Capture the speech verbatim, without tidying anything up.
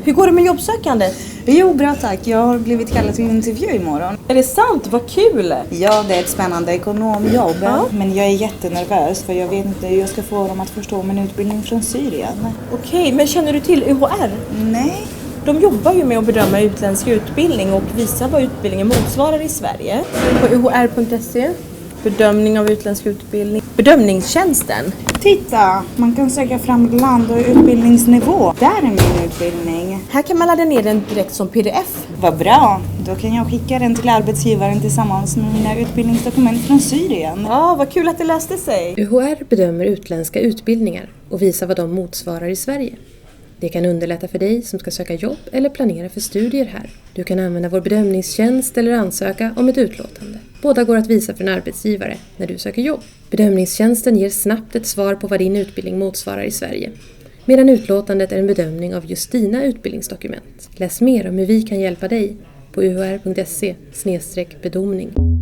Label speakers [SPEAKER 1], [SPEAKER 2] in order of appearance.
[SPEAKER 1] Hur går det med jobbsökandet?
[SPEAKER 2] Jo, bra tack. Jag har blivit kallad till intervju imorgon.
[SPEAKER 1] Är det sant? Vad kul!
[SPEAKER 2] Ja, det är ett spännande ekonomjobb.
[SPEAKER 1] Ja.
[SPEAKER 2] Men jag är jättenervös för jag vet inte hur jag ska få dem att förstå min utbildning från Syrien.
[SPEAKER 1] Okej, men känner du till U H R?
[SPEAKER 2] Nej.
[SPEAKER 1] De jobbar ju med att bedöma utländsk utbildning och visa vad utbildningen motsvarar i Sverige. På u h r punkt se, bedömning av utländsk utbildning. Bedömningstjänsten.
[SPEAKER 2] Titta, man kan söka fram land och utbildningsnivå. Där är min utbildning.
[SPEAKER 1] Här kan man ladda ner den direkt som P D F.
[SPEAKER 2] Vad bra, då kan jag skicka den till arbetsgivaren tillsammans med mina utbildningsdokument från Syrien.
[SPEAKER 1] Ja, vad kul att det löste sig.
[SPEAKER 3] U H R bedömer utländska utbildningar och visar vad de motsvarar i Sverige. Det kan underlätta för dig som ska söka jobb eller planera för studier här. Du kan använda vår bedömningstjänst eller ansöka om ett utlåtande. Båda går att visa för en arbetsgivare när du söker jobb. Bedömningstjänsten ger snabbt ett svar på vad din utbildning motsvarar i Sverige. Medan utlåtandet är en bedömning av just dina utbildningsdokument. Läs mer om hur vi kan hjälpa dig på u h r punkt se slash bedömning.